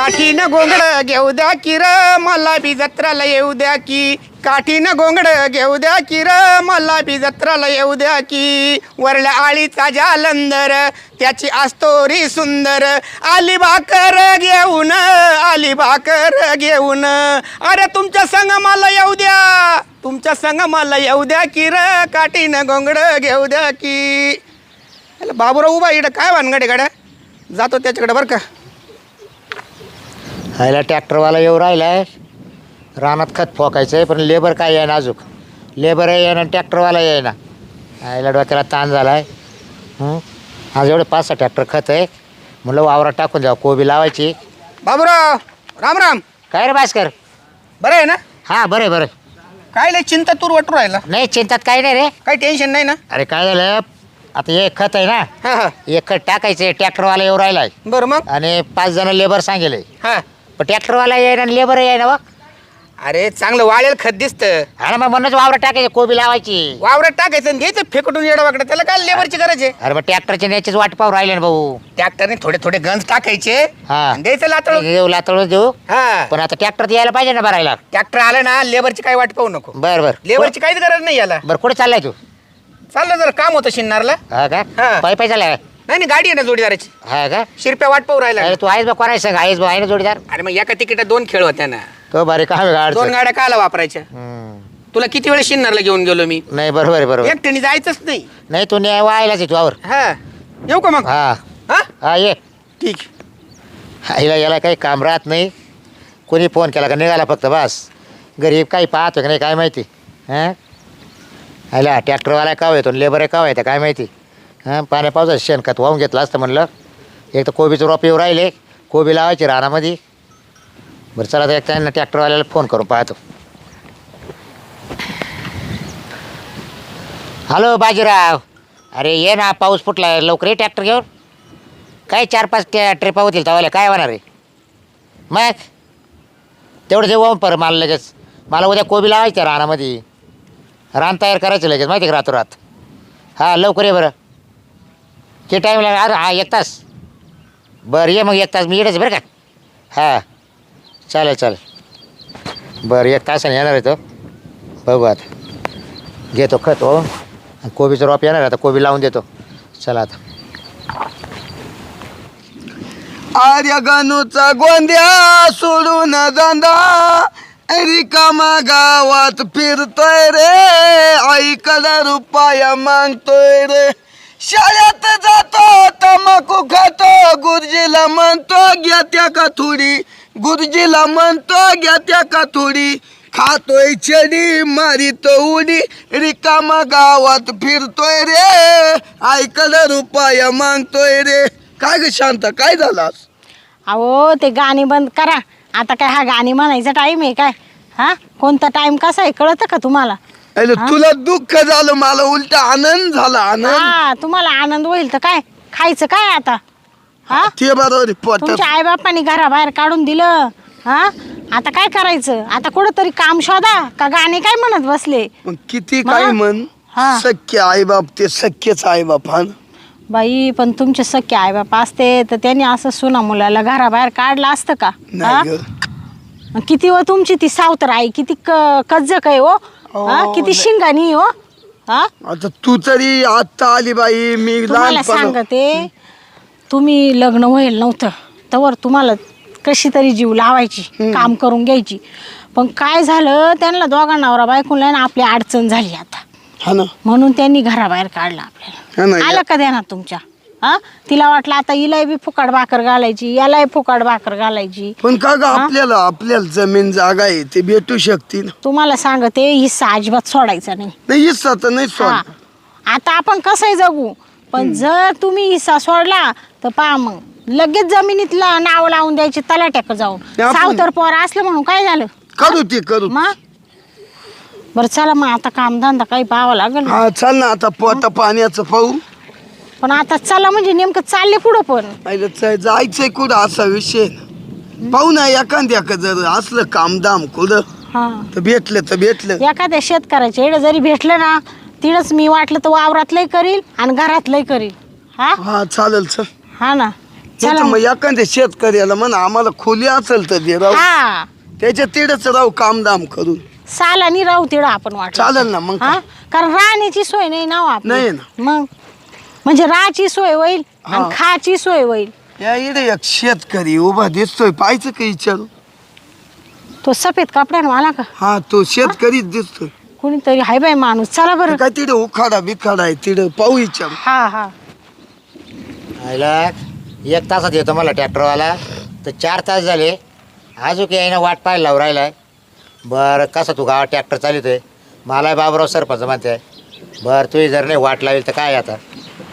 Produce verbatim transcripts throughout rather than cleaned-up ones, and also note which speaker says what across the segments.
Speaker 1: काठीनं गोंगड घेऊ द्या की र मला बी जत्राला येऊ द्या की काठीनं गोंगड घेऊ द्या की र मला बी जत्राला येऊ द्या की वरल्या आळीचा जालंदर त्याची आस्तोरी सुंदर आली भाकर घेऊन आली भाकर घेऊन अरे तुमच्या संग मला येऊ द्या तुमच्या संग मला येऊ द्या की र काठीनं गोंगड घेऊ द्या की बाबूराव उभा इकडं काय भानगड गाड्या जातो त्याच्याकडे बरं का
Speaker 2: ह्याला ट्रॅक्टरवाला येऊ राहिलाय रानात खत फोकायचं आहे पण लेबर काय आहे ना अजून लेबर आहे ना ट्रॅक्टरवाला आहे ना ह्याला डोक्याला ताण झाला आहे आज एवढे पाच सहा ट्रॅक्टर खत आहे म्हणलं वावरात टाकून द्यावं कोबी लावायची
Speaker 1: बाबूराव राम राम
Speaker 2: काय रे भास्कर
Speaker 1: बरं आहे ना
Speaker 2: हां बरं आहे बरं
Speaker 1: काय लय चिंता तूर वाटू राहिला
Speaker 2: नाही चिंतात काही नाही रे
Speaker 1: काही टेन्शन नाही ना
Speaker 2: अरे काय झालं आता एक खत आहे ना
Speaker 1: हां हां
Speaker 2: एक खत टाकायचं आहे ट्रॅक्टरवाला येऊ राहिलाय
Speaker 1: बरं मग
Speaker 2: आणि पाच जण लेबर सांगेल
Speaker 1: हां
Speaker 2: पण ट्रॅक्टरवाला येईन आणि लेबर येईन ना
Speaker 1: अरे चांगलं वाळेल खत दिसतं
Speaker 2: अरे मग म्हणूनच वावरात टाकायची कोबी लावायची
Speaker 1: वावरात टाकायचं आणि घ्यायचं फेकटून येडं वाकडं त्याला काय लेबरची गरज आहे
Speaker 2: अरे मग ट्रॅक्टरच्या न्यायचीच वाट पाहू राहिले ना भाऊ
Speaker 1: ट्रॅक्टरने थोडे थोडे गंज टाकायचे
Speaker 2: हा.
Speaker 1: आणि द्यायचं लातळ
Speaker 2: देऊ लातळून देऊ
Speaker 1: हा
Speaker 2: पण आता ट्रॅक्टर यायला पाहिजे ना भरायला
Speaker 1: ट्रॅक्टर आलं ना लेबरची काही वाट पाहू नको
Speaker 2: बर बर
Speaker 1: लेबरची काहीच गरज नाही याला
Speaker 2: बर कुठे चाललाय तू
Speaker 1: चाललं जर काम होतं शिन्नारला
Speaker 2: हा का
Speaker 1: हा.
Speaker 2: पाय पाय चाललाय
Speaker 1: नाही नाही गाडी आहे ना जोडीदाराची
Speaker 2: हा का
Speaker 1: शिरप्या वाट पाहू राहिला
Speaker 2: अरे तू आहेस बा कोणाय सांग आहेस बा आहे ना जोडीदार
Speaker 1: अरे मग एका तिकीटात दोन खेळ होत्या ना
Speaker 2: तो बारी का गाड
Speaker 1: दोन गाड्या काला वापरायच्या तुला किती वेळ शिन्नारला घेऊन गेलो मी
Speaker 2: नाही बरोबर आहे बरोबर
Speaker 1: एकट्याने जायचंच नाही
Speaker 2: नाही तू न्याय व्हायलाच आहे तुझ्यावर
Speaker 1: हा येऊ का मग
Speaker 2: हा
Speaker 1: हा
Speaker 2: हा ये
Speaker 1: ठीक
Speaker 2: आईला याला काही काम राहत नाही कोणी फोन केला का निघाला फक्त बस गरीब काही पाहतो का नाही काय माहिती हां आयला ट्रॅक्टरवाला काव येतो लेबर काव येतं काय माहिती हां पाण्या पावसाचं शेणखत वाहून घेतलं असतं म्हणलं एक तर कोबीचं रोप येऊ राहिले कोबी लावायची रानामध्ये बरं चला तर एक त्यांना ट्रॅक्टरवाल्याला फोन करून पाहतो हॅलो बाजीराव अरे ये ना पाऊस फुटला लवकर ये ट्रॅक्टर घेऊन काय चार पाच त्या ट्रिपा होतील तवाल्या काय होणार आहे मग तेवढं जेव्हा पर मला लगेच मला उद्या कोबी लावायचं रानामध्ये रान तयार करायचं लगेच माहिती का रातोरात हां लवकर ये बरं किती टाईम लागेल अरे हा एक तास बरं ये मग एक तास मी येडच बरं का हां चालेल चालेल बरं एक तासाने येणार आहे तो बघू आता घेतो खत हो कोबीचं रोप येणार आता कोबी लावून देतो चला आता
Speaker 3: आर्य गणूचा गोंद्या सोडून जांदा रिकामा गावात फिरतोय रे आईकडे रुपया मागतोय रे शाळेत जातो तंबाखू खातो गुरुजीला म्हणतो घ्या त्या का थोडी गुरुजीला म्हणतो घ्या त्या का थोडी खातोय छडी मारितो उडी रिकामा गावात फिरतोय रे आईकडे रुपया मागतोय रे काय ग शांत काय झालं
Speaker 4: अहो ते गाणी बंद करा आता काय हा गाणी म्हणायचा टाइम आहे काय हा कोणता टाइम कसा आहे कळतं का तुम्हाला
Speaker 3: अरे तुला दुःख झालं मला उलट आनंद झाला आनंद
Speaker 4: हा तुम्हाला आनंद होईल तर काय खायचं काय आता हा
Speaker 3: ते बरोबर पोटात
Speaker 4: तुमच्या आईबापांनी घराबाहेर काढून दिलं हा आता काय करायचं आता कुठंतरी काम शोधा का गाणे काय म्हणत बसले
Speaker 3: मग किती काय
Speaker 4: मग?
Speaker 3: म्हण
Speaker 4: हा.
Speaker 3: सख्य आई बाप ते सख्यच आई बाप हा ना.
Speaker 4: बाई पण तुमचे सख्खे आईबाप असते तर त्यांनी असं सुना मुलाला घराबाहेर काढलं असतं का हा?
Speaker 3: नाही ग.
Speaker 4: किती व तुमची ती सावतर आई किती कज्जक आहे हो हा
Speaker 3: हो,
Speaker 4: किती
Speaker 3: नाही.
Speaker 4: शिंगाणी हो हा
Speaker 3: आता तू तरी आता आली बाई मी
Speaker 4: तुम्हाला
Speaker 3: लहानपण
Speaker 4: सांगते तुम्ही लग्न व्हायला नव्हतं तवर तुम्हाला कशी तरी जीव लावायची काम करून घ्यायची पण काय झालं त्यांना दोघा नवरा बायकोला ना आपली अडचण झाली आता
Speaker 3: हा ना
Speaker 4: म्हणून त्यांनी घराबाहेर काढलं
Speaker 3: हा
Speaker 4: आपल्याला
Speaker 3: ना,
Speaker 4: आलं का देणार तुमच्या हा तिला वाटलं आता हिलाही बी फुकाट भाकर घालायची यालाही फुकाट भाकर घालायची
Speaker 3: पण का ग आपल्याला आपल्याला जमीन जागा आहे ते भेटू शकते ना
Speaker 4: तुम्हाला सांगते हिस्सा अजिबात सोडायचा नाही
Speaker 3: नाही हिस्सा तर नाही
Speaker 4: हा
Speaker 3: सोड
Speaker 4: आता आपण कसंही जगू पण जर तुम्ही हिस्सा सोडला तर पहा मग लगेच जमिनीतला नाव लावून द्यायची तलाट्याक जाऊन
Speaker 3: आपण-
Speaker 4: सावतर पोर असलं म्हणून काय झालं
Speaker 3: करू ते करू
Speaker 4: मग बरं चला मग आता कामधंदा काही पाहावं लागेल
Speaker 3: हा चल ना आता पोटा पाण्याचं पाहू
Speaker 4: पण आता चला म्हणजे नेमकं चालले पुढं पण
Speaker 3: आईला च- जायचंय कुठं असा विषय ना. पाहू ना एखाद्या जर असलं कामदाम कुठं
Speaker 4: हा
Speaker 3: तर भेटलं तर भेटलं
Speaker 4: एखाद्या शेतकऱ्याच्या एवढं जरी भेटलं ना तिडच मी वाटलं तर वावरातलंही करील आणि घरातलंही करील हा
Speaker 3: हा चालेल चल
Speaker 4: हा ना
Speaker 3: नाही तर मग एखाद्या शेतकऱ्याला म्हणा आम्हाला खोली असेल तर दे राहू
Speaker 4: हा
Speaker 3: त्याच्या तिडच राहू कामदाम करून
Speaker 4: सालानी राहू तिडं आपण वाटत
Speaker 3: चालेल ना मग
Speaker 4: हा कारण राहण्याची सोय नाही ना हो आपली.
Speaker 3: नाही ना.
Speaker 4: मग म्हणजे राहायची सोय होईल
Speaker 3: हा.
Speaker 4: आणि खायची सोय होईल.
Speaker 3: या इकडे एक शेतकरी उभा दिसतोय पाहायचं का विचारू
Speaker 4: तो सफेद कपड्यांवाला का
Speaker 3: हा तो शेतकरीच दिसतोय
Speaker 4: कुणीतरी हाय बाय माणूस चला बरं.
Speaker 3: काय तिथे उखाडा बिखाडा आहे तिथे पाहू विचारू
Speaker 4: हा हा
Speaker 2: आयला एक तासात येतो मला ट्रॅक्टरवाला तर चार तास झाले अजून काही ना वाट पाहायला लावून राहिलाय. बरं कसं तू गावात ट्रॅक्टर चालवतोय मला बाबराव सरपंच म्हणते बरं तुही जर नाही वाट लावेल तर काय आता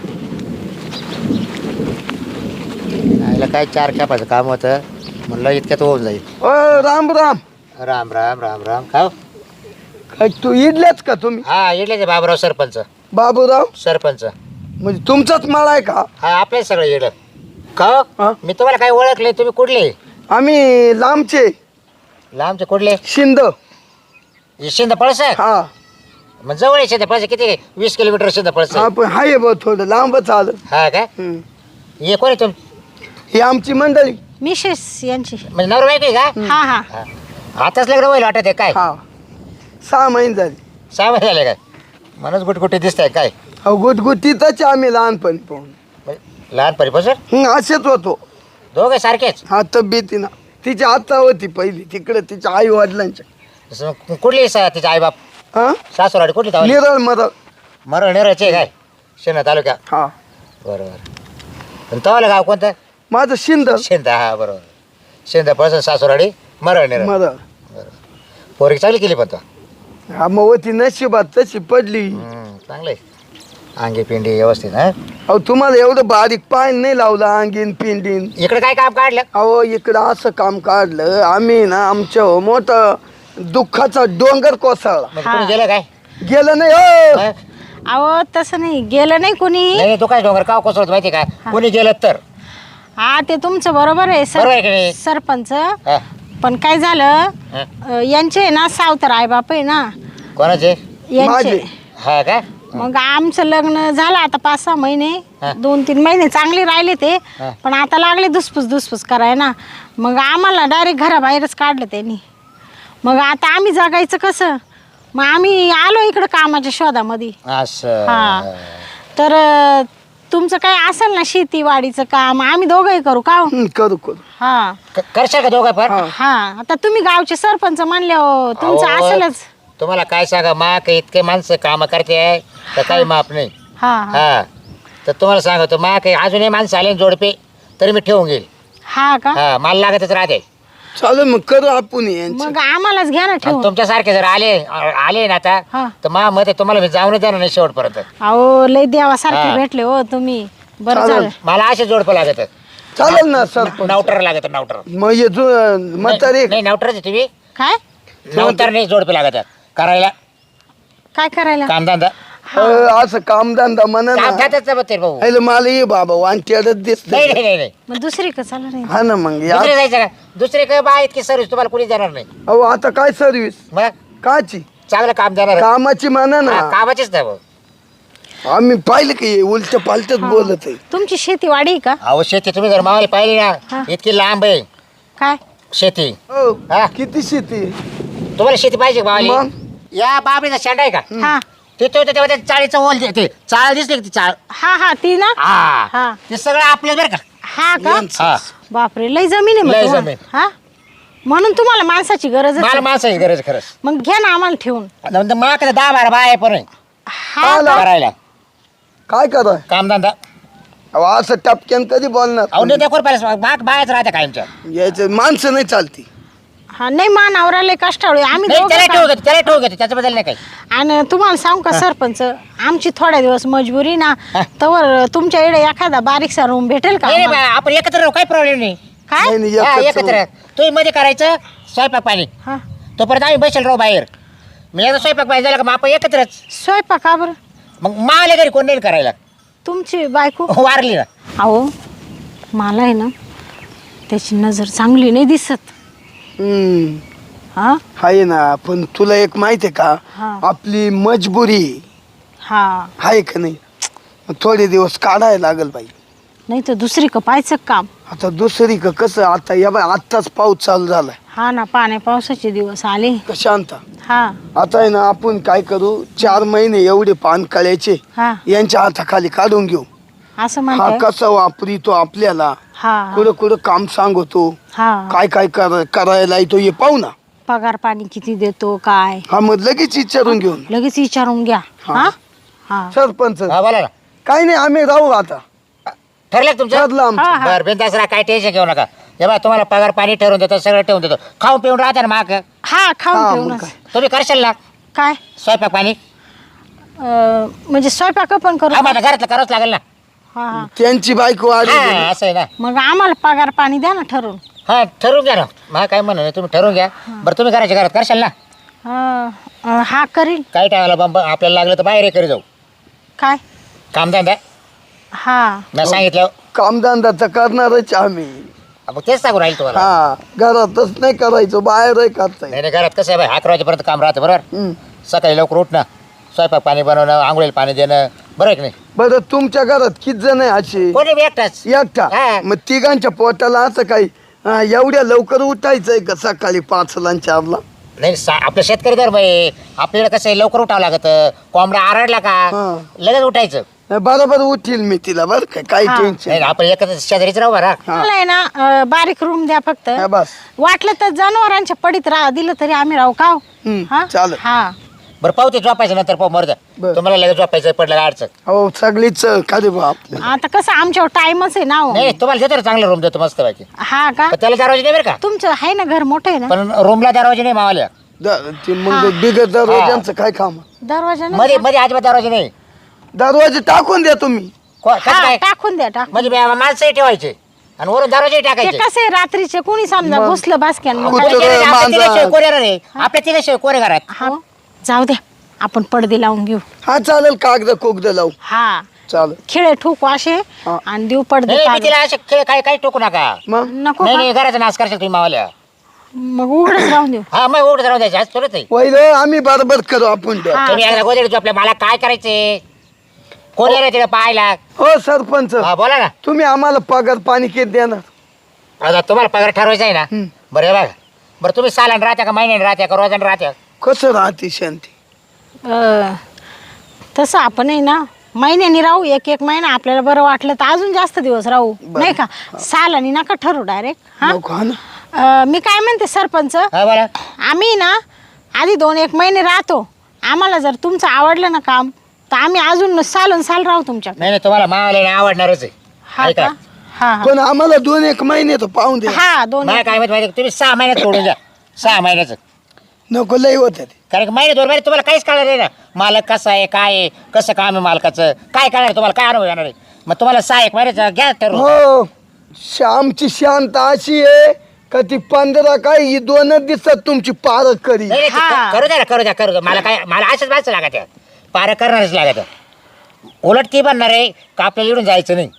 Speaker 2: आयला काय चार कॅपाचं काम होतं म्हणलं इतक्यात होऊन जाईल.
Speaker 3: ओ राम राम
Speaker 2: राम राम राम राम का
Speaker 3: काय तू इडल्याच का तुम्ही
Speaker 2: हा इडल्याचे बाबराव सरपंच
Speaker 3: बाबूराव
Speaker 2: सरपंच
Speaker 3: म्हणजे तुमचाच माळा आहे का
Speaker 2: हा आपले सगळं येडं का
Speaker 3: हा?
Speaker 2: मी तुम्हाला काय ओळखले तुम्ही कुठले
Speaker 3: आम्ही लांबचे
Speaker 2: लांबचे कुठले
Speaker 3: शिंद
Speaker 2: शिंद पळस
Speaker 3: हा
Speaker 2: मग जवळ शिंद पळस किती वीस किलोमीटर शिंद पळस
Speaker 3: हा पण हाय बा थोडं लांबच आलं
Speaker 2: हा काय
Speaker 3: हम्म.
Speaker 2: हे कोणी तुम
Speaker 3: ही आमची मंडळी
Speaker 4: मिसेस यांची
Speaker 2: म्हणजे नवरा बायको आहे का
Speaker 4: हा हा
Speaker 2: हा. आताच लग्न होईल वाटत आहे काय
Speaker 3: हा सहा महिने झाले
Speaker 2: सहा महिने झाले काय मनच गुटगुटी दिसत आहे काय
Speaker 3: अहो गुटगुटीतच आम्ही लहानपणी पाहून
Speaker 2: म्हणजे लहानपणीपासून
Speaker 3: हं, असेच होतो
Speaker 2: दोघे सारखेच
Speaker 3: हा तब्येतीनं तिची आता होती पहिली तिकडे तिच्या आई वडिलांच्या
Speaker 2: असं मग कुठली सा तिचे आईबाप
Speaker 3: हा
Speaker 2: सासूराडी कुठली तावली
Speaker 3: निरळ मरळ
Speaker 2: मरळ नेरळचे काय शेणा तालुक्या
Speaker 3: हा
Speaker 2: बरोबर पण तवाला गाव कोणतं
Speaker 3: माझं शिंद
Speaker 2: शेंदा हा बरोबर शेंदा पळस सासूराडी मरळ नेरळ
Speaker 3: मरळ
Speaker 2: पोरगी चांगली केली पण तो
Speaker 3: हा मग होती नशिबात तशी पडली
Speaker 2: हम्म, चांगलं आहे अंगी पिंडी व्यवस्थित हा
Speaker 3: अहो तुम्हाला एवढं बारीक पाय नाही लावलं अंगीन पिंडीन
Speaker 2: इकडे काय काम काढलं
Speaker 3: अहो इकडं असं काम काढलं आम्ही ना आमच्या मोठं दुःखाचा डोंगर कोसळला
Speaker 2: म्हणजे कोणी गेलं काय
Speaker 3: गेलं नाही हो
Speaker 2: हा?
Speaker 4: अहो तसं नाही गेलं नाही कोणी.
Speaker 2: नाही नाही, तो काय डोंगर का कोसळत माहिती का कोणी गेलं तर
Speaker 4: हा ते तुमचं बरोबर आहे
Speaker 2: बरोबर आहे की नाही?
Speaker 4: सर सरपंच
Speaker 2: हा,
Speaker 4: पण काय झालं
Speaker 2: हा.
Speaker 4: अ, यांचे आहे ना सावतर आई बाप आहे ना
Speaker 2: कोणाचे
Speaker 4: यांचे
Speaker 3: माझे.
Speaker 2: हा का
Speaker 4: मग आमचं लग्न झालं आता पाच सहा महिने
Speaker 2: हा.
Speaker 4: दोन तीन महिने चांगले राहिले ते
Speaker 2: हा.
Speaker 4: पण आता लागले दुसपूस दुसपूस कराय ना मग आम्हाला डायरेक्ट घराबाहेरच काढलं त्यांनी. मग आता आम्ही जगायचं कसं मग आम्ही आलो इकडं कामाच्या शोधामध्ये.
Speaker 2: असं
Speaker 4: हा तर अ, तुमचं काय असेल ना शेतीवाडीचं काम आम्ही दोघंही करू का हो?
Speaker 3: हं, करू करू
Speaker 4: हा
Speaker 2: क- करशाल का दोघं पण
Speaker 3: हा.
Speaker 4: हा आता तुम्ही गावचे सरपंच म्हणले हो तुमचं
Speaker 2: अहो,
Speaker 4: असेलच.
Speaker 2: तुम्हाला काय सांगा मा काही इतके माणसं काम करते आहे तर काही माप नाही
Speaker 4: हा हा
Speaker 2: हा तर तुम्हाला सांगतो मा काही अजूनही माणसं आले ना जोडपे तरी मी ठेवून घेईल
Speaker 4: हा का
Speaker 2: हा मला लागतच राहते
Speaker 3: चालेल मग करू आपण यांचं
Speaker 4: मग आम्हालाच घ्या ना ठेवून.
Speaker 2: तुमच्यासारखे जर आले आले ना
Speaker 4: हा.
Speaker 2: आता तर मा मते तुम्हाला मी जाऊनच जाणार नाही शेवटपर्यंत
Speaker 4: अहो लय देवासारखे
Speaker 2: हा.
Speaker 4: भेटले हो तुम्ही बरं
Speaker 3: चालेल.
Speaker 4: झालं.
Speaker 2: मला असे जोडपं लागत
Speaker 3: चालेल ना सरपंच
Speaker 2: नावटर लागत नावटर
Speaker 3: मग ये जो म्हातारे
Speaker 2: नाही नावटरच आहे तुम्ही
Speaker 4: काय
Speaker 2: नवतर नाही जोडपे लागत करायला
Speaker 4: काय करायला
Speaker 2: कामधंदा
Speaker 3: अं, असं कामधंदा म्हणा ना
Speaker 2: कामधंदाच बघते भाऊ
Speaker 3: हॅलो मला ये बाबा वांट्याडच दिसत
Speaker 2: नाही नाही नाही नाही
Speaker 4: मग दुसरी का चालू नाही.
Speaker 3: हा ना मग या
Speaker 2: दुसरे जायचं का दुसरे काय बा इतकी सर्विस तुम्हाला कोणी देणार नाही
Speaker 3: अहो आता काय सर्विस
Speaker 2: मग
Speaker 3: काची
Speaker 2: चांगलं काम देणार
Speaker 3: कामाची म्हणा ना
Speaker 2: हा, कामाचीच नाही भाऊ
Speaker 3: आम्ही पाहिलं की उलट पालटच बोलत आहे
Speaker 4: तुमची शेतीवाडी आहे का
Speaker 2: अहो शेती तुम्ही जर मावाली पाहिली
Speaker 4: हा.
Speaker 2: ना इतकी लांब आहे
Speaker 4: काय
Speaker 2: शेती
Speaker 3: हो
Speaker 2: हा.
Speaker 3: किती शेती
Speaker 2: तुम्हाला शेती पाहिजे का मावाली
Speaker 3: मग
Speaker 2: या बाबरीचा शेंडा आहे का
Speaker 4: हा
Speaker 2: तिथे होते तेव्हा त्या चाळीचं ओल ते चाळ दिसली का ती चाळ
Speaker 4: हा हा ती ना
Speaker 2: हा
Speaker 4: हा.
Speaker 2: ते सगळं आपलं बरं का
Speaker 4: हा का
Speaker 2: हा
Speaker 4: बापरे लय जमीन आहे मग
Speaker 2: लय
Speaker 4: तुम्हाला.
Speaker 2: जमीन.
Speaker 4: हा म्हणून तुम्हाला माणसाची गरज
Speaker 2: मला
Speaker 4: आहे.
Speaker 2: माणसाची गरज खरंच
Speaker 4: मग घ्या ना आम्हाला ठेवून.
Speaker 2: नंतर मला दहा बारा बाय पण
Speaker 4: हा
Speaker 3: आला.
Speaker 4: का?
Speaker 2: करायला
Speaker 3: काय कराय
Speaker 2: कामधंदा
Speaker 3: अहो असं टपक्यान कधी
Speaker 2: अहो
Speaker 3: बोलणार
Speaker 2: नाही देखोर पाहिजे बाग बायच राहते कायमच्या
Speaker 3: याचे माणसं नाही चालती
Speaker 4: हा नाही मा नवरा लय कष्टाळू आहे. आम्ही
Speaker 2: नाही
Speaker 4: दोघं
Speaker 2: त्याला
Speaker 4: का-
Speaker 2: ठेवू घेते त्याला ठेवू घेते त्याच्याबद्दल नाही काही
Speaker 4: आणि तुम्हाला सांगू का सरपंच आमची थोड्या दिवस मजबुरी ना
Speaker 2: हा.
Speaker 4: तर तुमच्या इकडे एखादा बारीकसा रूम भेटेल का
Speaker 2: नाही नाही,
Speaker 4: आम्हाला?
Speaker 2: बा, आपण एकत्र राहू काही प्रॉब्लेम नाही
Speaker 4: काय
Speaker 3: नाही, नाही,
Speaker 2: हा,
Speaker 3: एकच
Speaker 2: एकत्र तुम्ही मध्ये करायचं स्वयंपाक पाणी
Speaker 4: हा
Speaker 2: तोपर्यंत आम्ही बसेल राहू बाहेर मी एकदा स्वयंपाक पाणी झाला का मग आपण एकत्रच
Speaker 4: स्वयंपाक का बरं
Speaker 2: मग माले घरी कोण नाही करायला
Speaker 4: तुमची बायको
Speaker 2: वारली ना
Speaker 4: अहो मला आहे ना त्याची नजर चांगली नाही दिसत.
Speaker 3: हम्म
Speaker 4: हा
Speaker 3: आहे ना पण तुला एक माहिती आहे का
Speaker 4: हा.
Speaker 3: आपली मजबुरी
Speaker 4: हा
Speaker 3: आहे का नाही मग थोडे दिवस काढायला लागल बाई
Speaker 4: नाही तर दुसरी का पाहायचं काम.
Speaker 3: आता दुसरी का कसं आता या बाय आत्ताच पाऊस चालू झालाय
Speaker 4: हा ना, पाण्या पावसाचे दिवस आले.
Speaker 3: का शांता.
Speaker 4: हा
Speaker 3: आता आहे ना आपण काय करू चार महिने एवढे पान कळ्याचे
Speaker 4: हा
Speaker 3: यांच्या हाताखाली काढून घेऊ.
Speaker 4: असं
Speaker 3: हा
Speaker 4: म्हणताय.
Speaker 3: कसा वापरितो आपल्याला
Speaker 4: हा
Speaker 3: कुठं कुठं काम सांगतो
Speaker 4: हा
Speaker 3: काय काय कर- करायला येतो हे पाहू ना.
Speaker 4: पगार पाणी किती देतो काय
Speaker 3: हा मग लगेच विचारून घेऊन
Speaker 4: लगेच विचारून घ्या.
Speaker 3: हा.
Speaker 4: हा हा
Speaker 3: सरपंच
Speaker 2: हा बोला ना.
Speaker 3: काही नाही आम्ही राहू आता
Speaker 2: ठरलं का तुमचं?
Speaker 3: ठरलं आमचं.
Speaker 4: हा, हा.
Speaker 2: बरं बिंदास राहा, काय टेन्शन घेऊ नका. हे बा तुम्हाला पगार पाणी ठरवून देतो, सगळं ठेवून देतो. खाऊन पिऊन राहता ना माग.
Speaker 4: हा
Speaker 3: हा,
Speaker 4: खाऊन
Speaker 3: मग
Speaker 4: पिऊनच.
Speaker 3: काय.
Speaker 2: तुम्ही करशाल ना
Speaker 4: काय
Speaker 2: स्वयंपाक पाणी?
Speaker 4: अं, म्हणजे स्वयंपाक पण करू
Speaker 2: हा
Speaker 4: का?
Speaker 2: माझ्या घरातलं करावंच लागेल ना.
Speaker 4: हा हा
Speaker 3: त्यांची बायको आली
Speaker 2: हा असं आहे ना.
Speaker 4: मग आम्हाला पगार पाणी द्या ना ठरवून.
Speaker 2: हा ठरवून घ्या ना. मला काय म्हणणं नाही, तुम्ही ठरवून घ्या. बरं तुम्ही घराच्या घरात करशाल ना?
Speaker 4: अं, अं, हा करीन.
Speaker 2: काय टाळायला बंब आपल्याला लागलं तर बाहेर करी जाऊ
Speaker 4: काय
Speaker 2: कामधंदा.
Speaker 4: हा
Speaker 2: मी सांगितलं
Speaker 3: कामधंदा तर करणारच आम्ही.
Speaker 2: मग तेच सांगू राहील तुम्हाला.
Speaker 3: हा घरातच नाही करायचं बाहेर करताय.
Speaker 2: नाही नाही घरात कसं आहे बाई अकरा वाजेपर्यंत काम राहतं बरोबर. सकाळी लवकर उठणं, स्वयंपाक पाणी बनवणं, आंघोळीला पाणी देणं, बरं आहे की नाही?
Speaker 3: बरं तुमच्या घरात किती जण आहे असे?
Speaker 2: कोणी बी एकटाच.
Speaker 3: एकटा.
Speaker 2: हा.
Speaker 3: मग तिघांच्या पोटाला असं काही हा, एवढ्या लवकर उठायचंय का सकाळी पाचला आणि चारला?
Speaker 2: नाही सा आपलं शेतकरी धर्म आहे. आपल्याला कसं आहे लवकर उठावं लागतं. कोंबडा आरडला का
Speaker 3: हा.
Speaker 2: लगेच उठायचं.
Speaker 3: नाही, बरोबर उठील मी तिला बरं का काही
Speaker 4: हा.
Speaker 3: टेन्शन
Speaker 2: नाही आपण एकच शेजारीच राहू बरं.
Speaker 3: हा.
Speaker 4: मला आहे ना अं, बारीक रूम द्या फक्त.
Speaker 3: हा, बस
Speaker 4: वाटलं तर जनावरांच्या पडीत राहा दिलं तरी आम्ही राहू का हो?
Speaker 3: हम्म,
Speaker 4: हा?
Speaker 3: चालेल.
Speaker 4: हा
Speaker 2: बरं पाहू ते झोपायचं नंतर पाहू मरद.
Speaker 3: बरं.
Speaker 2: तुम्हाला लगेच झोपायचं पडलं अडचण
Speaker 3: हो सगळीच खाली बा आपल्या.
Speaker 4: आता कसं आमच्यावर टाइमच आहे ना हो.
Speaker 2: नाही तुम्हाला देतो ना चांगला रूम देतो मस्त पैकी.
Speaker 4: हा का
Speaker 2: पण त्याला दरवाजे नाही बरं का.
Speaker 4: तुमचं आहे ना घर मोठं आहे ना.
Speaker 2: पण रूमला दरवाजे नाही मावाल्या.
Speaker 3: द- ते मग बिगर दरवाज्यांचं काय काम?
Speaker 4: दरवाजा नाही
Speaker 2: मध्ये
Speaker 4: का?
Speaker 2: मध्ये अजिबात दरवाजे नाही.
Speaker 3: दरवाजे टाकून द्या तुम्ही.
Speaker 2: को- कसं
Speaker 4: हा,
Speaker 2: काय
Speaker 4: टाकून द्या टाकून.
Speaker 2: म्हणजे बे- माणसंही ठेवायचे आणि वरून दरवाजे
Speaker 4: ते
Speaker 2: टाकायचे.
Speaker 4: कसं आहे रात्रीचे कोणी समजा
Speaker 3: मग.
Speaker 4: घुसलं बासक्यान मग
Speaker 3: कुठं
Speaker 4: काय?
Speaker 2: आपल्या तिघांचे- आपल्या
Speaker 3: मांजर.
Speaker 2: तिघांशिवाय कोणी नाही. आपल्या तिघांशिवाय कोणी घरात.
Speaker 4: हा जाऊ द्या आपण पडदे लावून घेऊ.
Speaker 3: हा चालेल कागद कोगद लावू
Speaker 4: हा
Speaker 3: चालेल.
Speaker 4: खिळे ठोकू असे
Speaker 3: हा.
Speaker 4: आणि देऊ पडदे
Speaker 2: नाही मी
Speaker 4: काढून.
Speaker 2: तिला असे खेळ काही काही टोकू नका.
Speaker 3: मग
Speaker 4: नको
Speaker 2: नाही
Speaker 4: का?
Speaker 2: नाही घराचा नाश करशाल तुम्ही मावाल्या.
Speaker 4: मग उघडच राहून देऊ.
Speaker 2: हा मग उघड राहू द्यायचं आज थोडंच आहे.
Speaker 3: वैर आम्ही बरोबर करू आपण द्या.
Speaker 4: हा.
Speaker 2: तुम्ही एकदा गोदडी झोपल्या मला काय करायचे कोण येणार तिला पाहायला.
Speaker 3: हो सरपंच
Speaker 2: हा बोला ना.
Speaker 3: तुम्ही आम्हाला पगार पाणी किती देणार?
Speaker 2: आता तुम्हाला पगार ठरवायचा आहे ना.
Speaker 3: हम्म.
Speaker 2: बरं हे बघा बरं तुम्ही सालान राहत्या का महिन्याने राहत्या का रोजाने राहत्या?
Speaker 3: कसं राहते शांती?
Speaker 4: अं, तसं आपण आहे ना महिन्यानी राहू एक एक महिना आपल्याला बरं वाटलं तर अजून जास्त दिवस राहू
Speaker 3: बरं.
Speaker 4: नाही का. सालानी नका ठरू डायरेक्ट. हा
Speaker 3: नको हा ना.
Speaker 4: अं, मी काय म्हणते सरपंच
Speaker 2: हा बोला.
Speaker 4: आम्ही ना आधी दोन एक महिने राहतो. आम्हाला जर तुमचं आवडलं ना काम तर आम्ही अजून सालून साल राहू तुमच्या.
Speaker 2: नाही नाही तुम्हाला मावाला आवडणारच आहे.
Speaker 4: हा
Speaker 2: ऐका.
Speaker 4: का हा हा.
Speaker 3: पण आम्हाला दोन एक महिने तर पाहून द्या.
Speaker 4: हा दोन
Speaker 2: मला काय माहिती माहिती तुम्ही सहा महिन्यात सोडून द्या. सहा महिन्याचं
Speaker 3: नको लई होत ते.
Speaker 2: कारण की महिने दोन महिने तुम्हाला काहीच कळणार नाही ना. मालक कसा आहे काय आहे कसं काम आहे मालकाचं काय कळणार तुम्हाला काय अनुभव येणार आहे. मग तुम्हाला सहा एक महिन्याचं घ्या ठरवून.
Speaker 3: हो श्यामची शांत अशी आहे का ती पंधरा काय ही दोनच दिवसात तुमची पारख करी.
Speaker 2: नाही, नाही,
Speaker 4: हा.
Speaker 2: करू द्या ना करू द्या करू द्या मला काय मला अशाच माणसं लागत आहे. पारं करणारच लागत आहे. उलट ती बनणार आहे का आपल्याला इकडून जायचं नाही.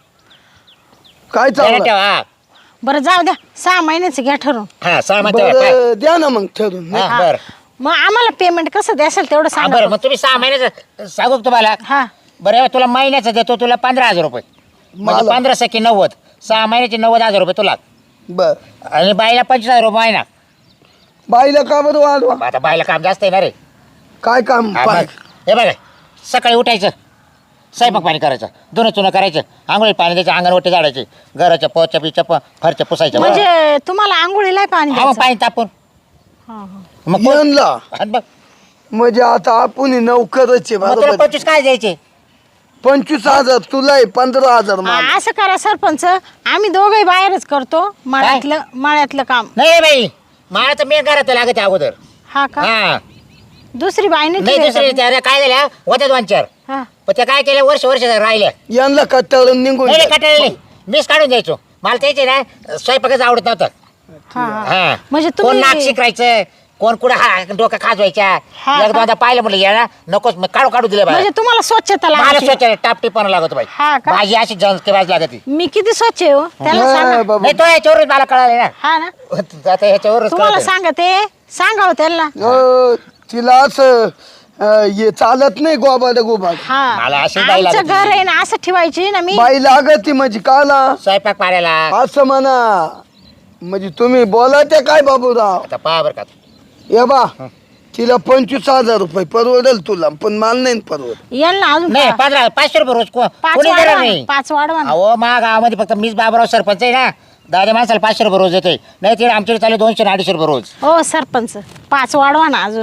Speaker 3: काय
Speaker 2: ध्यानात
Speaker 3: चाललं?
Speaker 2: ठेवा. हा.
Speaker 4: बरं जाऊ द्या सहा महिन्याचं घ्या ठरवून.
Speaker 2: हा सहा महिने ठेवा.
Speaker 3: बरं द्या ना मग ठरून.
Speaker 2: हा,
Speaker 4: हा.
Speaker 2: बरं
Speaker 4: मग आम्हाला पेमेंट कसं द्याल तेवढं
Speaker 2: हा,
Speaker 4: सांगा.
Speaker 2: बरं मग तुम्ही सहा महिन्याचं सांगू का तुम्हाला.
Speaker 4: हा
Speaker 2: बरं तुला महिन्याचं देतो तुला पंधरा हजार रुपये म्हणजे
Speaker 3: मला?
Speaker 2: पंधरा सखी नव्वद सहा महिन्याचे नव्वद हजार रुपये तुला
Speaker 3: बर
Speaker 2: आणि बाईला पंचवीस हजार रुपये महिना.
Speaker 3: बाईला का बरं वाढवा?
Speaker 2: मग आता बाईला काम जास्त येणार आहे.
Speaker 3: काय काम?
Speaker 2: हा,
Speaker 3: पाय-
Speaker 2: मग. हे बघा सकाळी उठायचं स्वयंपाक पाणी करायचं धुणं चुणं करायचं आंघोळी पाणी द्यायचं अंगणवटी झाडायची घराच्या पोच्या पिच्या प फरच्या पुसायच्या
Speaker 4: म्हणजे तुम्हाला आंघोळीला पाणी
Speaker 2: हा मग
Speaker 4: द्यायचं?
Speaker 2: पाणी तापून
Speaker 4: हा, हा.
Speaker 2: मग कोण-
Speaker 3: यांना
Speaker 2: आणि बघ
Speaker 3: म्हणजे आता आपण नौकरच आहे
Speaker 2: मग तुला
Speaker 3: बरोबर.
Speaker 2: पंचवीस काय द्यायचे.
Speaker 3: पंचवीस हजार तुला आहे पंधरा हजार मला.
Speaker 4: हा, असं करा सरपंच आम्ही दोघे बाहेरच करतो मळ्यातलं मळ्यातलं काम.
Speaker 2: नाही बाई मला तर मी घरात लागत आहे अगोदर.
Speaker 4: हा का
Speaker 2: हा
Speaker 4: दुसरी बाई
Speaker 2: नाही
Speaker 4: नाही
Speaker 2: दुसरी
Speaker 4: ठेवायचं?
Speaker 2: त्या काय झाल्या होत्या दोन चार
Speaker 4: हा
Speaker 2: पण त्या काय केल्या वर्ष वर्ष राहिल्या.
Speaker 3: यांना कट्टाळून निघून
Speaker 2: नाही
Speaker 3: जा.
Speaker 2: कटाळले नाही मीच काढून द्यायचो मला त्याचे ना स्वयंपाकच आवडत नव्हतं.
Speaker 4: हा, हा.
Speaker 2: हा
Speaker 4: म्हणजे
Speaker 2: कोण नाक
Speaker 4: तुम्ही
Speaker 2: शिकायचं कोण कुठं हा डोकं खाजवायच्या
Speaker 4: हा,
Speaker 2: एकदा
Speaker 4: हा.
Speaker 2: आता पाहिलं म्हटलं या नकोच मग काढू काढू दिले
Speaker 4: म्हणजे तुम्हाला स्वच्छता
Speaker 2: मला
Speaker 4: लागते.
Speaker 2: स्वच्छ टाप टिपाना लागतो बाई
Speaker 4: हा का?
Speaker 2: भाजी अशी जंके भाजी लागते.
Speaker 4: मी किती स्वच्छ आहे हो त्याला
Speaker 3: हा,
Speaker 4: सांगा.
Speaker 3: बाबा.
Speaker 2: नाही तो याच्यावरच मला कळाले ना
Speaker 4: हा ना
Speaker 2: आता ह्याच्यावरच
Speaker 4: तुम्हाला
Speaker 2: कळालं.
Speaker 4: सांगते सांगा हो त्यांना.
Speaker 3: अ, तिला असं अं, हे चालत नाही गोबाड गोबाड
Speaker 4: हा
Speaker 2: मला अशीच बाई
Speaker 4: आमचं
Speaker 2: लागती.
Speaker 4: घर आहे ना असं ठेवायची ना मी.
Speaker 3: बाई लागती म्हणजे काला
Speaker 2: स्वयंपाक पाण्याला
Speaker 3: असं म्हणा म्हणजे तुम्ही बोला ते काय बाबूराव
Speaker 2: आता पहा बरं का
Speaker 3: ये बा तिला पंचवीस हजार रुपये परवडेल तुला पण माल नाही परवड
Speaker 4: यांना अजून
Speaker 2: नाही
Speaker 4: पा-
Speaker 2: पंधरा पाचशे रुपये रोज को-
Speaker 4: पाच
Speaker 2: कोणी देणार
Speaker 4: वाढवा
Speaker 2: नाही
Speaker 4: ना, पाच वाढवा ना.
Speaker 2: अहो मा गावामध्ये फक्त मीच बाबराव सरपंच आहे ना दादा माणसाला पाचशे रुपये रोज येतोय नाही ते आमच्याकडे चालू दोनशे आणि अडीचशे रुपये रोज
Speaker 4: हो सरपंच पाच वाढवा ना अजून.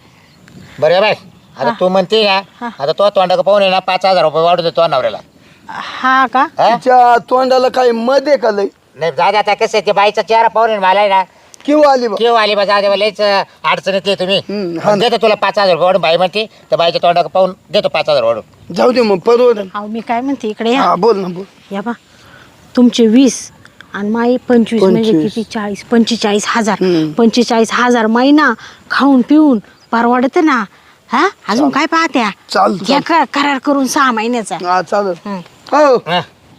Speaker 2: बरं बाय आता तू म्हणते ना
Speaker 4: हा.
Speaker 2: आता तो तोंडा पाहून आहे ना पाच हजार रुपये वाढून देतो नवऱ्याला
Speaker 4: हा का
Speaker 2: हा?
Speaker 3: तिच्या तोंडाला काही मध्ये का लय
Speaker 2: नाही दादा आता कसं आहे ते बाईचा चेहरा पाहून आहे ना मला आहे ना
Speaker 3: किंवा आली बा
Speaker 2: केव्हा आली बा जाऊ लयच अडचण येते तुम्ही
Speaker 3: हम्म, हा ना.
Speaker 2: देतो तुला पाच हजार रुपये वाढून बाई म्हणते तर बाईच्या तोंडा पाहून देतो पाच हजार वाढून
Speaker 3: जाऊ दे मग परवडेल
Speaker 4: अहो मी काय म्हणते इकडे या
Speaker 3: हा बोल ना बोल
Speaker 4: या बा तुमचे वीस आणि माई पंचवीस म्हणजे
Speaker 3: पंचवीस.
Speaker 4: किती चाळीस पंचेचाळीस हजार
Speaker 3: हम्म.
Speaker 4: पंचेचाळीस हजार महिना खाऊन पिऊन परवडत ना. हा अजून काय पाहत्या
Speaker 3: चाल
Speaker 4: घ्या कर- करार करून सहा महिन्याचा.
Speaker 3: हा चालेल
Speaker 4: हम्म.
Speaker 3: हो
Speaker 2: हा,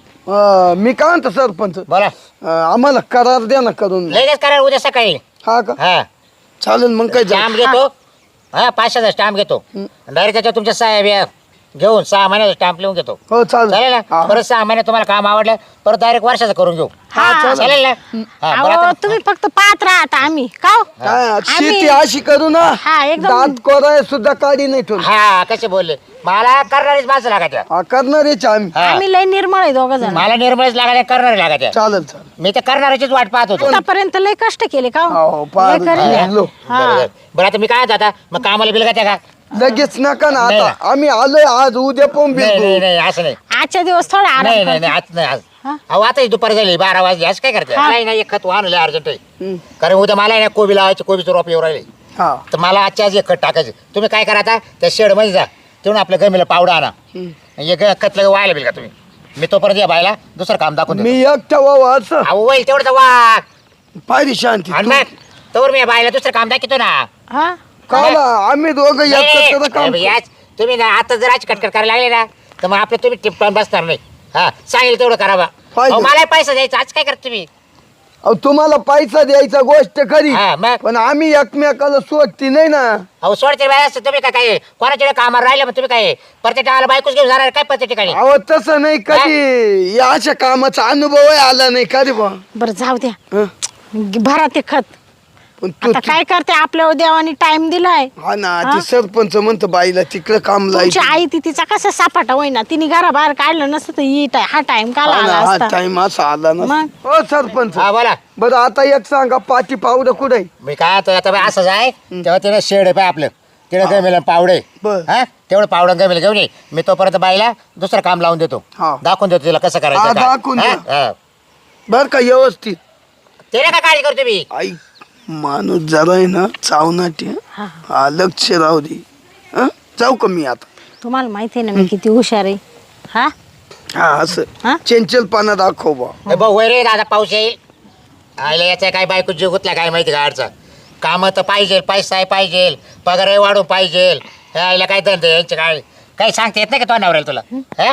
Speaker 3: अं, मी काय म्हणतो सरपंच
Speaker 2: बोला
Speaker 3: अं, आम्हाला करार द्या ना करून
Speaker 2: लगेच करा उद्या सकाळी
Speaker 3: हा का
Speaker 2: हा
Speaker 3: चालेल मग काय जा
Speaker 2: स्टॅम्प घेतो हा पाचशेचा स्टॅम्प घेतो डायरेक्ट त्याच्यावर तुमच्या साहेब या घेऊन सहा महिन्याचा स्टॅम्प लिहून घेतो
Speaker 3: हो
Speaker 2: चालेल
Speaker 3: चालेल
Speaker 2: ना
Speaker 3: हा.
Speaker 2: परत सहा महिने तुम्हाला काम आवडलं परत डायरेक्ट वर्षाचं करून घेऊ
Speaker 4: हा,
Speaker 2: चालेल ना हा, बरं
Speaker 4: अहो
Speaker 2: आता-
Speaker 4: तुम्ही फक्त पाहत राहता आम्ही का हो?
Speaker 3: काय
Speaker 4: आम्ही-
Speaker 3: शेती अशी करू ना
Speaker 4: हा, एकदम-
Speaker 3: दात कोराय सुद्धा काढी नाही ठेवून
Speaker 2: हा कसे बोलले मला करणारीच माणसं लागायच्या
Speaker 3: हा करणारेच आम्ही
Speaker 2: हा.
Speaker 4: आम्ही लय निर्मळ आहे दोघ जण.
Speaker 2: मला निर्मळच लागायच्या करणारी लागायच्या
Speaker 3: चालेल चालेल
Speaker 2: मी तर करणाऱ्याचीच वाट पाहत होतो
Speaker 4: आतापर्यंत लय कष्ट केले का
Speaker 3: हो,
Speaker 4: हो?
Speaker 3: फार
Speaker 4: लय करेल.
Speaker 3: झालो.
Speaker 4: हा.
Speaker 2: बरं, बरं. बरं आता मी काय आता मग कामाला बिल का का
Speaker 3: लगेच नका ना
Speaker 2: नाही.
Speaker 3: आता आम्ही आलोय आज उद्या पण
Speaker 2: नाही नाही
Speaker 3: बिल
Speaker 2: नाही असं नाही
Speaker 4: आजच्या दिवस थोडा आराम
Speaker 2: नाही नाही
Speaker 4: करते.
Speaker 2: नाही आज नाही आज
Speaker 4: हा?
Speaker 2: अहो आता दुपारी झाली बारा वाजले आज काय करते
Speaker 4: हा.
Speaker 2: नाही नाही एक खत आणलं अर्जंट आहे
Speaker 3: हम्म.
Speaker 2: कारण उद्या मला आहे ना कोबी लावायची कोबीचं रोप येऊ राहिले
Speaker 3: हा
Speaker 2: तर मला आजच्या आज एक खत टाकायचं तुम्ही काय करा आता त्या शेडमध्ये जा तेवढं आपल्या गमीला पावडा आणा एक खत लगेच व्हायला बिल का तुम्ही मी तोपर्यंत या बायला दुसरं काम दाखवून देतो.
Speaker 3: मी एकटा व्हावं असं
Speaker 2: अहो होईल तेवढं वाघ
Speaker 3: पाहिजे शांती
Speaker 2: आणि मग तोवर मी या बायला दुसरं काम दाखवतो ना
Speaker 4: हा
Speaker 3: काला आम्ही दोघं
Speaker 2: नाही,
Speaker 3: एकत्र काम
Speaker 2: नाही, याच तुम्ही ना आता जर आज कटकट करायला लागले ना तर मग आपलं तुम्ही टिपटॉन बसणार नाही हा सांगेल तेवढं करा बा
Speaker 3: पाहिजे.
Speaker 2: अहो, मला पैसा द्यायचा आज काय करता तुम्ही
Speaker 3: अहो, तुम्हाला पैसा द्यायचा गोष्ट खरी
Speaker 2: हा मग
Speaker 3: पण आम्ही एकमेकाला सोडती नाही ना
Speaker 2: अहो सोडते बाय असं तुम्ही काय काय कोणाच्या कामावर राहिले मग तुम्ही काय प्रत्येक टाळाला बायकोच घेऊन जाणार काय प्रत्येक ठिकाणी
Speaker 3: अहो तसं नाही कधी या अशा कामाचा अनुभव आला नाही कधी बा
Speaker 4: बरं जाऊ द्या
Speaker 3: हं?
Speaker 4: भरा ते खत.
Speaker 3: पण तू
Speaker 4: आता काय करते आपल्या देवानी टाइम दिलाय.
Speaker 3: हा ना
Speaker 4: हा?
Speaker 3: ती सरपंच म्हणतो बाईला तिकडं काम
Speaker 4: तुमची
Speaker 3: लायचं
Speaker 4: आई ती तिचा कसा सापाटा होईना तिने घराबाहेर काढलं नसतं तर ही टाय- हा टाइम काला
Speaker 3: हा ना,
Speaker 4: आला
Speaker 3: हा
Speaker 4: असता.
Speaker 3: टाइम असा आला ना
Speaker 4: मग?
Speaker 3: हो सरपंच
Speaker 2: हा बोला
Speaker 3: बरं आता एक सांगा पाठी पावडं कुठे
Speaker 2: मी काय आता आता बाई असंच आहे तेव्हा तिने शेड आहे पाय आपलं तिने गमेला पावडे
Speaker 3: बर.
Speaker 2: हा तेवढं पावडं गमेला घेऊन ये मी तोपर्यंत बाईला दुसरं काम लावून देतो
Speaker 3: हा.
Speaker 2: दाखवून देतो तिला कसं
Speaker 3: हा,
Speaker 2: करायचं काय.
Speaker 3: दाखवून
Speaker 2: हा?
Speaker 3: द्या.
Speaker 2: हा.
Speaker 3: बर का व्यवस्थित
Speaker 2: तिला काय काळजी करतो मी
Speaker 3: आई माणूस जरा आहे ना चावनाटी
Speaker 4: हा.
Speaker 3: हा लक्ष राहू दे हं? जाऊ का मी आता
Speaker 4: तुम्हाला माहिती आहे ना मी किती हुशार आहे. हा
Speaker 3: हा असं
Speaker 4: हा?
Speaker 3: चंचलपणा दाखव बा
Speaker 2: ए भाऊ वय रे दादा पाऊस येईल आयला याचा काय बायको जीव गुतला काय माहिती का अडचा कामं तर पाहिजे पैसा पाहिजे पगारही वाढून पाहिजे हे आईला काय धंदे यांचे काय काही सांगता येत नाही का तो नवऱ्याला तुला हा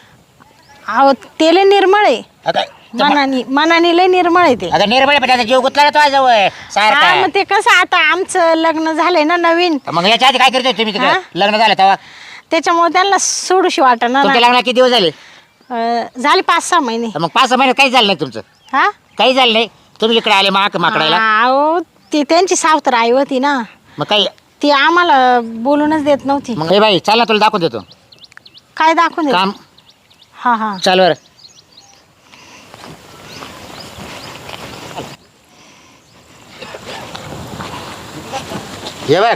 Speaker 4: अहो ते लय निर्मळ आहे.
Speaker 2: आता
Speaker 4: मनानी मनानी लय निर्मळ आहे ते.
Speaker 2: आता निर्मळ पण त्याचा जीव गुतला ना तो जवळ
Speaker 4: हा
Speaker 2: सारखा
Speaker 4: मग ते कसं आता आमचं लग्न झालंय ना नवीन
Speaker 2: मग याच्या आधी काय करतोय तुम्ही तिकडे
Speaker 4: हा?
Speaker 2: लग्न झालं तेव्हा
Speaker 4: त्याच्यामुळे त्यांना सोडूशी वाटणार
Speaker 2: तुमच्या
Speaker 4: ना.
Speaker 2: लग्नाला किती दिवस झाले
Speaker 4: अं, झाले पाच सहा महिने.
Speaker 2: मग पाच सहा महिन्यात काही झालं नाही तुमचं
Speaker 4: हा
Speaker 2: काही झालं नाही तुम्ही इकडे आले माक माकडायला
Speaker 4: अहो ती त्यांची सावतर आई होती ना
Speaker 2: मग काही
Speaker 4: ती आम्हाला बोलूनच देत नव्हती.
Speaker 2: मग हे बाई चल ना तुला दाखवून देतो
Speaker 4: काय दाखवून देत?
Speaker 2: काम
Speaker 4: हा हा
Speaker 2: चाल बरं हे बघ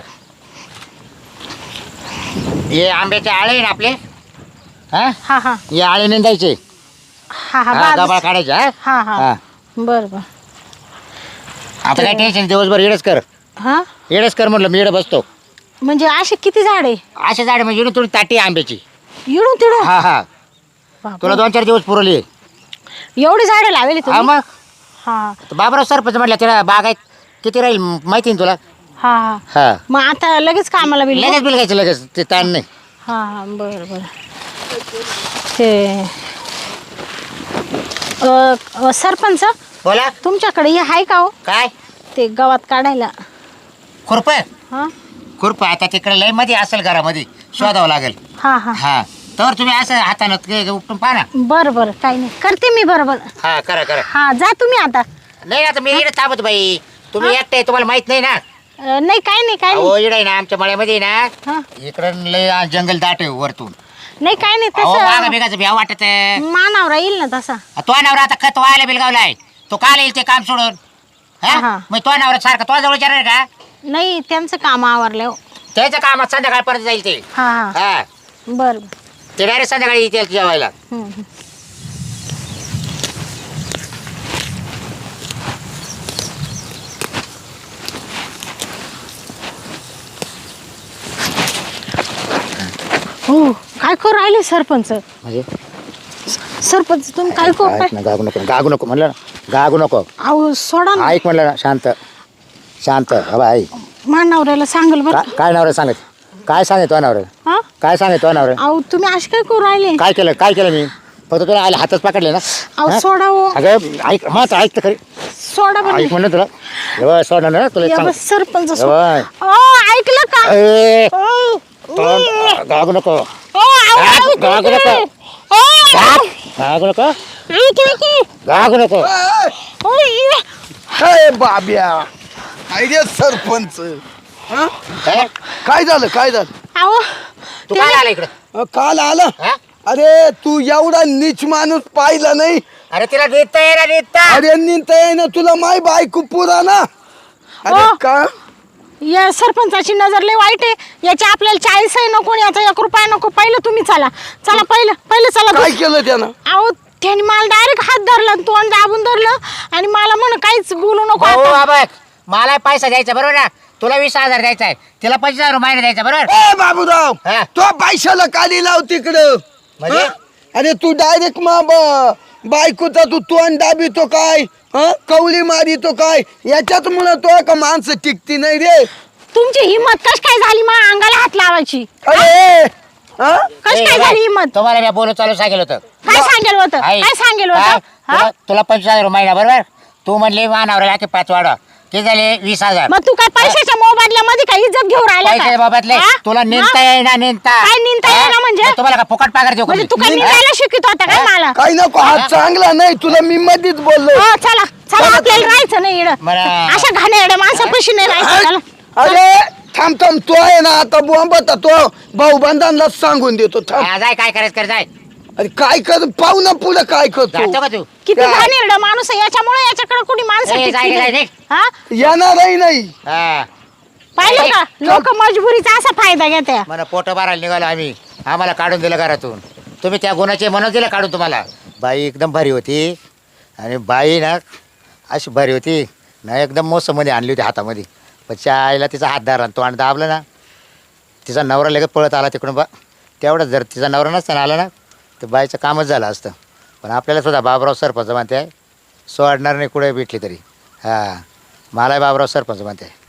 Speaker 2: हे आंब्याचे आळे आहे ना आपले हा
Speaker 4: हा हा
Speaker 2: हे आळे निंदायचे
Speaker 4: हा हा
Speaker 2: हा,
Speaker 4: बाजूच.
Speaker 2: गबाळ काढायचे हा
Speaker 4: हा हा
Speaker 2: हा.
Speaker 4: बर बर
Speaker 2: आता काय टेन्शन दिवसभर येडच कर
Speaker 4: हा
Speaker 2: येडच कर म्हटलं मी येडं बसतो
Speaker 4: म्हणजे असे किती झाडे
Speaker 2: असे झाड म्हणजे येणं थोडी ताटी आहे आंब्याची
Speaker 4: इडून तिडून
Speaker 2: हा हा
Speaker 4: बापरे.
Speaker 2: तुला दोन चार दिवस पुरवली
Speaker 4: एवढी झाडे लावली
Speaker 2: हा
Speaker 4: तुम्ही?
Speaker 2: मग
Speaker 4: हा
Speaker 2: तर बाबराव सरपंच म्हटलं तिला बागायत किती राहील माहिती ना तुला
Speaker 4: हा हा
Speaker 2: हा
Speaker 4: मग आता लगेच कामाला बिल
Speaker 2: लगेच बिल घ्यायचं लगेच ते ताण नाही
Speaker 4: हा हा बर बर ते अ, अ, सरपंच
Speaker 2: बोला
Speaker 4: तुमच्याकडे हे आहे का हो
Speaker 2: काय
Speaker 4: ते गावात काढायला
Speaker 2: खुरप
Speaker 4: हा
Speaker 2: खुरप आता तिकडे लय मध्ये असेल घरामध्ये शोधावं लागेल.
Speaker 4: हा हा
Speaker 2: हा तर तुम्ही असं हातानं ते उपटून पाहा ना.
Speaker 4: बरं बरं काही नाही करते मी बरोबर.
Speaker 2: हा करा करा.
Speaker 4: हा जा तुम्ही आता.
Speaker 2: नाही आता मी इकडे थांबत बाई, तुम्ही एकटे तुम्हाला माहित नाही ना.
Speaker 4: अं, नाही काही नाही काही
Speaker 2: हो
Speaker 4: नाही.
Speaker 2: इकडे ना आमच्या मळ्यामध्ये ना
Speaker 4: हा.
Speaker 2: इकडं लय जंगल दाट आहे वरतून.
Speaker 4: नाही काही नाही
Speaker 2: अहो मागा
Speaker 4: तसं
Speaker 2: बिगाचं भ्या वाटत आहे.
Speaker 4: मानावरा येईल ना तसा.
Speaker 2: तो नवरा आता खत व्हायला बिलगावलाय, तो काल येईल ते काम सोडून.
Speaker 4: हा.
Speaker 2: हा मग तो नवरा सारखा तो जवळ विचारणार का?
Speaker 4: नाही त्यांचं काम आवरलं हो.
Speaker 2: त्याच्या कामात संध्याकाळपर्यंत जाईल ते.
Speaker 4: हा हा
Speaker 2: हा
Speaker 4: बरं बरं.
Speaker 2: ते डायरेक्ट संध्याकाळी येते जेवायला.
Speaker 4: हम्म, हम्म. हो काय करू राहिले सरपंच?
Speaker 2: म्हणजे
Speaker 4: सरपंच तुम्ही काय करू
Speaker 2: ऐक
Speaker 4: काय?
Speaker 2: ना, गागू नको गागू नको म्हणलं ना, गागू नको.
Speaker 4: अहो सोडा ना.
Speaker 2: ऐक म्हणलं ना, शांत शांत. हवा ऐक.
Speaker 4: मानावऱ्याला सांगल बरं
Speaker 2: का- काय नवरा सांगत, काय सांगत तो नवरा,
Speaker 4: हा.
Speaker 2: काय सांगत तो नवरा?
Speaker 4: अहो तुम्ही असे काय करू राहिले?
Speaker 2: काय केलं काय केलं मी? फक्त तुला आले हातच पकडले ना.
Speaker 4: अहो
Speaker 2: हा?
Speaker 4: सोडा हो.
Speaker 2: अगं ऐक मग ऐक तर खरी.
Speaker 4: सोडा बरं.
Speaker 2: ऐक म्हणलं तुला एवढं सोडणार ना तुला एक
Speaker 4: या
Speaker 2: सांग.
Speaker 4: बस सरपंच सो-
Speaker 2: एवढं.
Speaker 4: अहो, ऐकलं का?
Speaker 2: ए,
Speaker 4: अहो,
Speaker 2: तोंड गागू नको.
Speaker 4: अहो, अहो,
Speaker 2: गाग-
Speaker 4: अहो,
Speaker 2: गागू नको.
Speaker 4: अहो,
Speaker 2: गाग- गागू नको.
Speaker 4: ऐक, ऐक, ऐक.
Speaker 2: गागू नको.
Speaker 4: अहो, इ-
Speaker 3: काय बाब्या, काय रे सरपंच? हं?
Speaker 2: काय?
Speaker 3: काय झालं काय झालं?
Speaker 4: अहो,
Speaker 2: तू
Speaker 4: ते-
Speaker 2: काय आला इकडे?
Speaker 3: अं, काल आला.
Speaker 2: हा?
Speaker 3: अरे तू एवढा नीच माणूस पाहिला नाही.
Speaker 2: अरे तिला नेता ये ना नेता.
Speaker 3: अरे निंता ये ना तुला माय बायको पुरा ना. अरे
Speaker 4: हो.
Speaker 3: का
Speaker 4: या सरपंचाची नजर लय वाईट आहे. याच्या आपल्याला चाळीस आहे नको, याचा एक रुपया नको. पहिलं तुम्ही चला चला, पहिलं पहिलं चला.
Speaker 3: काय केलं त्यानं?
Speaker 4: अहो त्याने मला डायरेक्ट हात धरला आणि तोंड दाबून धरलं आणि मला म्हण काहीच बोलू नको
Speaker 2: भाऊ
Speaker 4: आता.
Speaker 2: बाबा मला पैसा द्यायचा बरोबर ना, तुला वीस हजार द्यायचा आहे, तिला पंचवीस हजार महिना द्यायचा बरोबर.
Speaker 3: ए बाबूराव,
Speaker 2: हा.
Speaker 3: तो पैशाला काली लाव तिकडं.
Speaker 2: म्हणजे?
Speaker 3: हं? अरे तू डायरेक्ट मा ब- बायकोचा तू तोंड दाबितो काय, हं? कवली मारितो काय? याच्यात म्हणा तो का माणसं टिकती नाही रे.
Speaker 4: तुमची हिंमत कश काय झाली मा अंगाला हात लावायची?
Speaker 3: अरे हं?
Speaker 4: कश
Speaker 2: ए,
Speaker 4: काय
Speaker 2: बाय,
Speaker 4: झाली हिंमत?
Speaker 2: तुम्हाला मी बोलून चालू सांगेल होतं.
Speaker 4: काय सांगेल होतं?
Speaker 2: ऐक.
Speaker 4: काय सांगेल
Speaker 2: काय?
Speaker 4: होतं? हा?
Speaker 2: तुला तुला पंचवीस हजार महिना बरोबर. तू म्हणले मानावर की पाच वाढा, ते झाले वीस हजार.
Speaker 4: मग तू काय पैशाच्या मोबदल्यामध्ये काय इज्जत घेऊन राहिला
Speaker 2: पैसे
Speaker 4: काय?
Speaker 2: बाबतले
Speaker 4: हा?
Speaker 2: तुला नेमता
Speaker 4: हा?
Speaker 2: येईना नेमता.
Speaker 4: काय निंदता
Speaker 2: हा?
Speaker 4: येईना म्हणजे?
Speaker 2: मग तुम्हाला का फुकट पगार देऊ का
Speaker 4: म्हणजे
Speaker 2: मी?
Speaker 4: तू काय
Speaker 2: हा?
Speaker 4: निंदायला शिकत होता काय मला?
Speaker 3: काही नको, हा चांगला नाही तुला मी मधीच बोललो.
Speaker 4: हो चला चला, आपल्याला राहायचं नाही इकडं.
Speaker 2: बरं.
Speaker 4: अशा घाणेरड्या माणसापाशी नाही राहायचं. चला.
Speaker 3: अरे थांब थांब, तो आहे ना आता बोंबता तो भाऊ बंधांना सांगून देतो. थांब.
Speaker 2: हा, जाय काय करायचं कर जाय.
Speaker 3: अरे काय कर, पाहू ना पुढे काय करतो.
Speaker 2: जातो का तू?
Speaker 4: किती
Speaker 3: काय?
Speaker 4: घाणेरडा माणूस आहे, याच्यामुळे याच्याकडे कोणी माणसं
Speaker 2: ए, जाय,
Speaker 4: टिकती
Speaker 2: जाय,
Speaker 4: नाही.
Speaker 2: जाय.
Speaker 4: हा?
Speaker 3: येणारही नाही.
Speaker 2: हा
Speaker 4: पाहिलं का लोक मजबुरीचा असा फायदा घेते.
Speaker 2: मला पोट भरायला निघालो आम्ही, आम्हाला काढून दिलं घरातून. तुम्ही त्या गुणाचे म्हणून दिलं काढून तुम्हाला. बाई एकदम भारी होती आणि बाई ना अशी भारी होती ना, एकदम मोसममध्ये आणली होती हातामध्ये. पण त्या आईला तिचा हात धरला, तो आणि दाबलं ना, तिचा नवरा लगेच पळत आला तिकडून. बा तेवढंच जर तिचा नवरा नसताना आला ना तर बाईचं कामच झालं असतं. पण आपल्याला सुद्धा बाबराव सरपंच म्हणते आहे, सोडणार नाही कुठे भेटली तरी. हां मलाही बाबराव सरपंच म्हणते आहे.